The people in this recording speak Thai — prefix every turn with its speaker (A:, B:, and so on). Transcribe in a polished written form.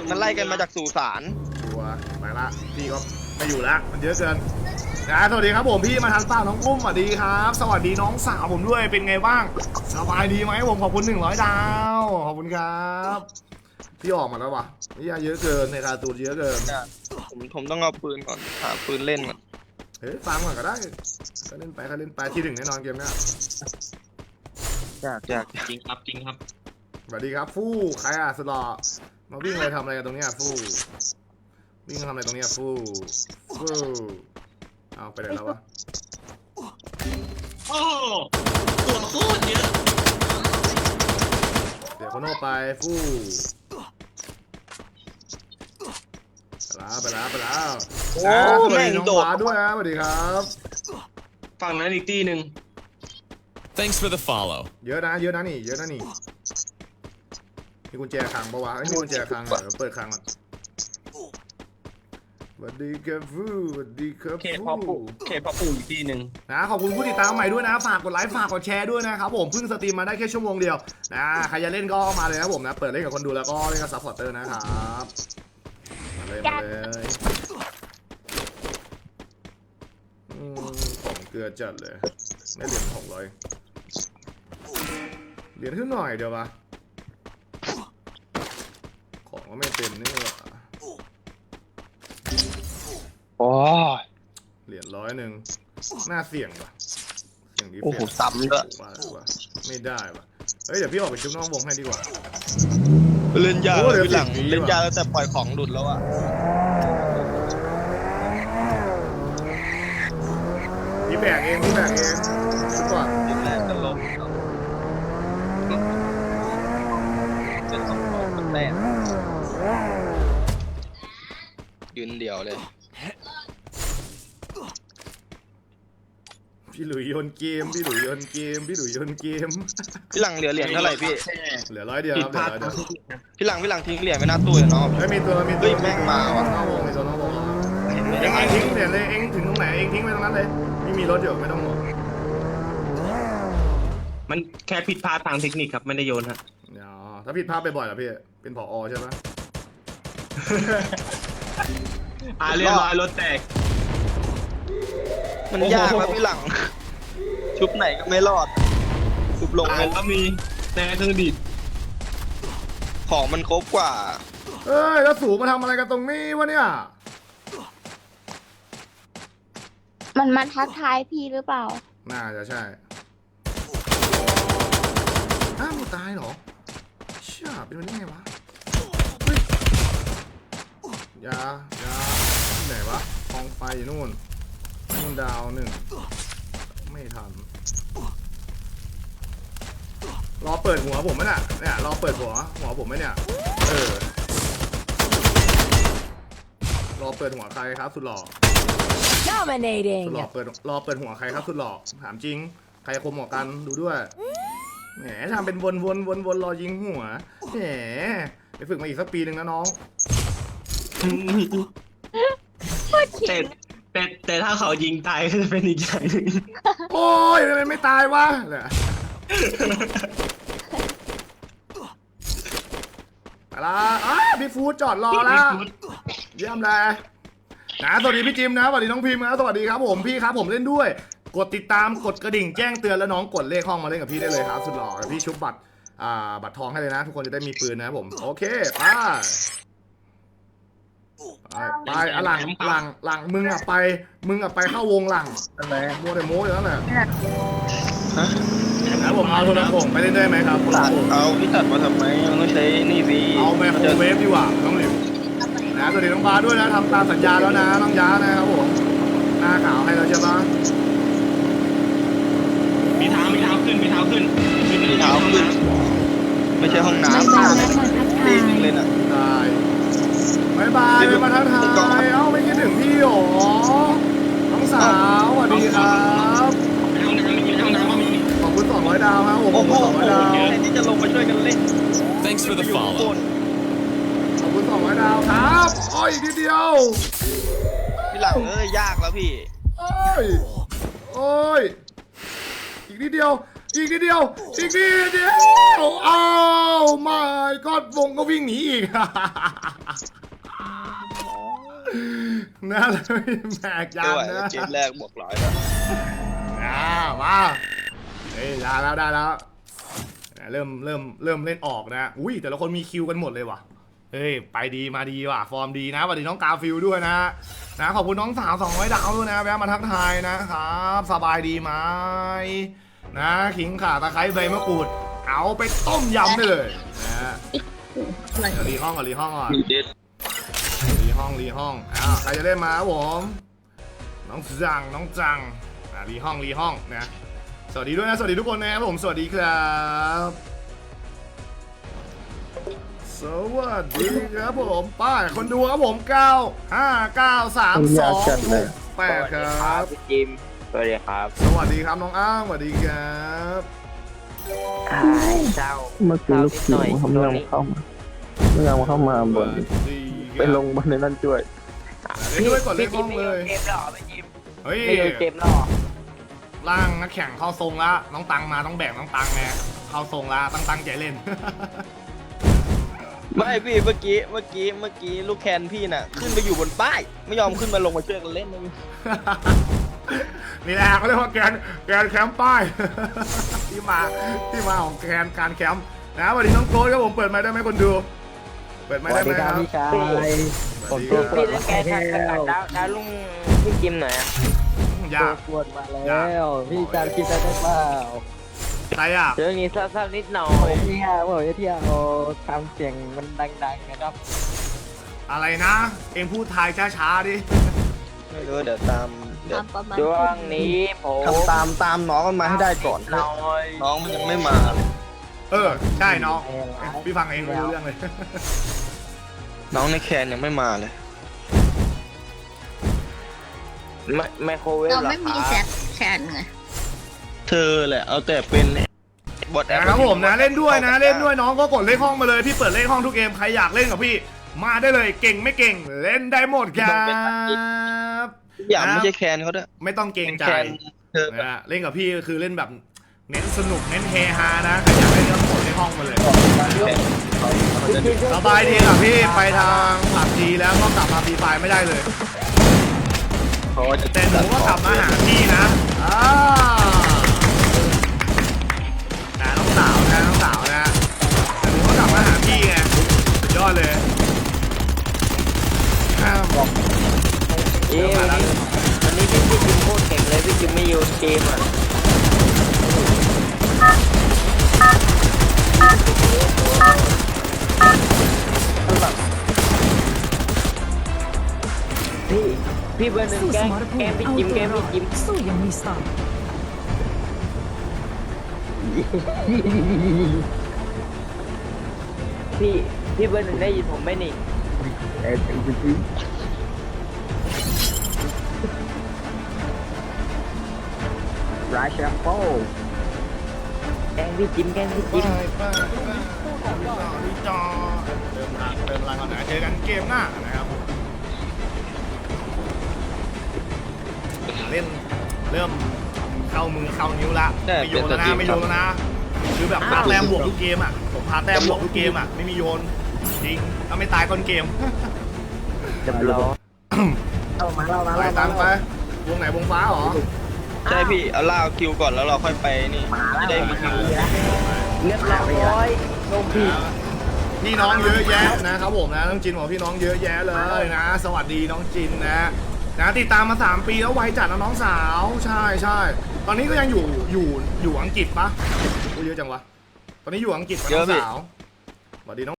A: มันไล่กันมาจากสุสาน
B: ตัวไปละพี่ก็ไม่อยู่แล้วมันเยอะเกินนะสวัสดีครับผมพี่มาทันเปล่าน้องอุ้มสวัสดีครับสวัสดีน้องสาวผมด้วยเป็นไงบ้างสบายดีไหมผมขอบคุณ100 ดาวขอบคุณครับพี่ออกมาแล้ววะนี่เยอะเกินในการ์ตูนเยอะเกิน
A: ผมต้องเอาปืนก่อนหาปืนเล่นก่อน
B: เฮ้ยฟังก่อนก็ได้ก็เล่นไปที่1แน่นอนเกมนี้
A: อยาก
C: จริงครับจริงครับ
B: สวัสดีครับฟู่ใครอ่ะสลอมาวิ่งอะไรทำอะไรกันตรงนี้ฟู่วิ่งทำอะไรตรงนี้ฟู่เอาไปไหนแล้ววะ
C: โอ้ตัวโคตรเยอะ
B: เดี๋ยวคนโน่ไปฟู่ไปแล้ว
A: โอ้
B: สวัส
A: แม่
B: ดี
A: ง
B: น้อง
A: โดด
B: ฟ้าด้วยนะสวัสดีครับ
C: ฝั่งนั้นอีกตีหนึ่ง
D: Thanks for the follow
B: เยอะนะนี่มีกุญแจคลังปะวะมีกุญแจคลังเหรอเปิดคลังอ่ะสวัสดีครับฟูสวัสดีครับ
C: เขตพ่อปู่อีกตีหนึ่ง
B: นะขอบคุณผู้ติดตามใหม่ด้วยนะฝากกดไลค์ฝากกดแชร์ด้วยนะครับผมเพิ่งสตรีมมาได้แค่ชั่วโมงเดียวนะใครจะเล่นก็มาเลยนะผมนะเปิดเล่นกับคนดูแล้วก็เล่นกับซัพพอร์ตเตอร์นะครับมาเลยของเกลือจัดเลยได้เหรียญ600เหรียญขึ้นหน่อยเดียวปะของก็ไม่เต็มนี่หว่า
A: โอ้
B: เหรียญ100น่าเสี่ยงปะเสี่ยงดี
A: โอ้โหซ้ำด้วย
B: ไม่ได้ปะเฮ้ยเดี๋ยวพี่ออกไปชุบน้องวงให้ดีกว่า
A: เล่นยากเลยหลังเล่นยากแล้วแต่ปล่อยของหลุดแล้วอ่ะ
B: พี่แบกเองชุบก่อน
A: แรกก็ล้มเป็น2 แต้มยืนเดี่ยวเลย
B: พี่หลุยโยนเกมพี่หลุย
A: หลังเหลือเหรียญเท่าไหร่พี่
B: เหลือ100 เดียวครับเหลือ100 เดียว
A: พี่หลังทิ้งเหรียญไม่น่าตู้เลยเนาะ
B: ไม่มีตัว
A: แม่งมาว่ะ
B: นอกวงเองทิ้งเหรียญเลยเองถึงตรงไหนเองทิ้งไปตรงนั้นเลยไม่มีรถอยู่ไม่ต้องห่วง
C: มันแค่ผิดพลาดทางเทคนิคครับไม่ได้โยนฮะ
B: ถ้าผิดพลาดบ่อยๆล่ะพี่เป็นผอใช่ไหม
C: เรียบร้อยรถแตก
A: มันยากแล้วพี่หลังชุบไหนก็ไม่รอดชุบลง
C: ก็มีแต่เครื่องดีด
A: ของมันครบกว่า
B: เอ้ยแล้วสูงมาทำอะไรกันตรงนี้วะเนี่ย
E: มันมาทักทายพี่หรือเปล่า
B: น่าจะใช่มึงตายเหรอเชี่ยเป็นมันยังไงวะยาไหนวะกองไฟนู่นดาว1ไม่ทันรอเปิดหัวผมไหมเนี่ยรอเปิดหัวผมไหมเนี่ยรอเปิดหัวใครครับสุดหล่อ
E: Dominating
B: รอเปิดหัวใครครับสุดหล่อถามจริงใครคมหัวกันดูด้วยแหมทำเป็นวนรอยิงหัวแหมไปฝึกมาอีกสักปีหนึ่งนะน้อง
C: แต่ถ้าเขายิงตายก็จะเป็นอีกอย่างนึง
B: โอ้ยทำไมไม่ตายวะเนี่ยไปละพี่ฟูดจอดรอแล้วเยี่ยมเลยนะสวัสดีพี่จิมนะสวัสดีน้องพิมพ์นะสวัสดีครับผมพี่ครับผมเล่นด้วยกดติดตามกดกระดิ่งแจ้งเตือนแล้วน้องกดเลขห้องมาเล่นกับพี่ได้เลยครับสุดหล่อพี่ชุบบัตรทองให้เลยนะทุกคนจะได้มีปืนนะผมโอเคไปหลังมึงไปเข้าวงหลังอะไรโมเดโมอยู่นั่นแหละนะผมเอาโทรศัพท์ไปเล่นได้ไหมครับ
A: เอาพี่ตัดมาทำไมมันต้องใช้นี่สิ
B: เอาแมโครเวฟดีกว่าน้องหลิวนะสวัสดีน้องบาด้วยนะทำตามสัญญาแล้วนะน้องย้านะครับผมหน้าขาวให้เราใช่ปะ
C: มีเท้าขึ้นไม่ใช่
A: ห้องน้ำตีนึงเลยนะ
B: ได้บายมาทักทายไม่คิดถึงพี่หรอน้องสาวสวัสดีครับขอบคุณ200 ดาวครับผม200 ดาว
A: แทนที่จะลงมาช่วยกันเล่น
D: Thanks for the follow
B: ขอบคุณ200 ดาวครับอีกนิดเดียว
A: พี่หลังยากแล้วพี่
B: โอ้ยอีกนิดเดียวอีกนิดเดียวอีกนิดเดียวอ้าวไม่ก็วงก็วิ่งหนีอีก น่าเลยแบกยา
A: ไม่ไหว
B: นะ
A: แล้วเกมแรกบวกร้อยแล้ว
B: มาเฮ้ยได้แล้วได้แล้วเริ่มเล่นออกนะอุ้ยแต่ละคนมีคิวกันหมดเลยว่ะเฮ้ยไปดีมาดีว่ะฟอร์มดีนะสวัสดีน้องกาฟิลด้วยนะขอบคุณน้องสาว200 ดาวด้วยนะแวะมาทักทายนะครับสบายดีไหมนะขิงข่าตะไคร้ใบมะกรูดเอาไปต้มยำได้เลยนะรีห้องก่อนรีห้องก่อน
A: มีเด็ด
B: รีห้องใครจะเล่นมาครับผมน้องจังรีห้องนะสวัสดีด้วยนะสวัสดีทุกคนนะครับผมสวัสดีครับสวัสดีครับผมป้าคนดูครับผม9 5 9 3 2 8ครับ
F: พี่จิมสวัสดีครับ
B: สวัสดีครับน้องอ้างสวัสดีครับ
F: เจ้า
G: เมื่อกี้ลูกศิษย์เขาไม่ยอมเข้ามาไม่ยอมเข้ามาบนไปลงบนในนั่นด้วย
B: เล่นด้วยก่อนเล่นห้องเลย
F: เกมหรอพี่จิม
B: เฮ้ย
F: ไม่ดูเกมหรอ
B: ร่างนักแข่งเข้าทรงละน้องตังมาต้องแบ่งน้องตังไงเข้าทรงละตั้งใจเล่น
A: ไม่พี่เมื่อกี้ลูกแคนพี่น่ะ ขึ้นไปอยู่บนป้าย ไม่ยอมขึ้นมาลงมาช่วยกันเล่นเลย
B: นี่แหละเขาเรียกว่าแกนแคมป์ป้าย ที่มาของแกนการแคมป์นะสวัสดีน้องโกรธครับผมเปิดไมค์ได้ไหมคนดู เปิดไมค์ได้ไหมครับ
G: พี่ชาย
B: สวัสดีครับ
F: พี่เล่นแกทางกระดาวลุงพี่จิมหน่อยอ่ะ
B: ยาก
G: ปวดมาแล้วพี่จำคิดได้เปล่า
B: ใครอ่ะ
F: เรื่องนี้เศร้าๆนิดหน่อย
G: เที่ยวทำเสียงมันดังๆนะครับ
B: อะไรนะ เอ็งพูดไทยช้าๆดิ
A: ไม่รู้เดี๋ยวตามเดี๋ยว
E: ทำประมาณ
F: ช่วงนี้ผม
A: ทำตามน้องมันมาให้ได้ก่อน
F: หน่อย
A: น้องมันยังไม่มาเลย
B: ใช่น้องพี่ฟังเองไม่รู้เรื่องเลย
A: น้องในแคนยังไม่มาเลย
F: ไมโครเวฟ
E: เรา
F: หรอ
E: ไม่มี
F: ค
E: แซ
F: รับ
E: แชนไง
A: เธอแหละเอาแต่เป็นบอทแอป
B: นะครับผมนะเล่นด้วยน้องก็กดเลขห้องมาเลยพี่เปิดเลขห้องทุกเกมใครอยากเล่นกับพี่มาได้เลยเก่งไม่เก่งเล่นได้หมดครับ
A: อย่างไม่ใช่แคนเขาด้วย
B: ไม่ต้องเกรงใจ
A: แคนเธอ
B: นะฮะเล่นกับพี่ก็คือเล่นแบบเน้นสนุกเน้นเฮฮานะใครอยากเล่นก็กดเลขห้องมาเลยสบายดีครับพี่ไปทางผับดีแล้วก็กลับมาฟรีไฟไม่ได้เลย
A: เขาจะ
B: แต่หนูก็กลับมาหาพี่นะน้องสาวนะแต่หนูก็กลับมาหาพี่ไงสุดยอดเลยบอก
F: วันนี้พี่จิมโคตรเก่งเลยพี่จิมไม่อยู่เกมอ่ะพี่เบอร์หนึ่ง
H: สู้
F: แก
H: ส
F: ม
H: มรภูมิ
F: พี่
H: เอา
F: จิม
H: ตัว
F: แกม
H: รอ
F: พี่
H: ด
F: จิม
H: สู้อย่างมีสไตล์
F: พี่เบอร์หนึ่งได้ยินผมไหมนี่
G: ราชาโฟ
F: แกงพี่จิม
B: ไปจอเติมพลังก่อนนะเจอกันเกมหน้านะครับเล่นเริ่มเข้ามือเข้านิ้วละไม่โยนแล้วนะคือแบบพาแต้มบวกทุกเกมอ่ะผมพาแต้มบวกทุกเกมอ่ะไม่มีโยนจริงถ้าไม่ตายต้นเกม
F: จับล้อ
B: ไปตามไปวงไหนวงฟ้าเหรอ
A: ใช่พี่เอาล่าคิวก่อนแล้วเราค่อยไปนี่จะได้มีคิว
F: เรียบร้อยลงพี่
B: พี่น้องเยอะแยะนะครับผมนะน้องจินบอกพี่น้องเยอะแยะเลยนะ สวัสดีน้องจินนะติดตามมา3 ปีแล้วไวจัดนะน้องสาวใช่ตอนนี้ก็ยังอยู่อังกฤษปะเยอะจังวะตอนนี้อยู่อังกฤษปะน้องสาวสวัสดีน้อง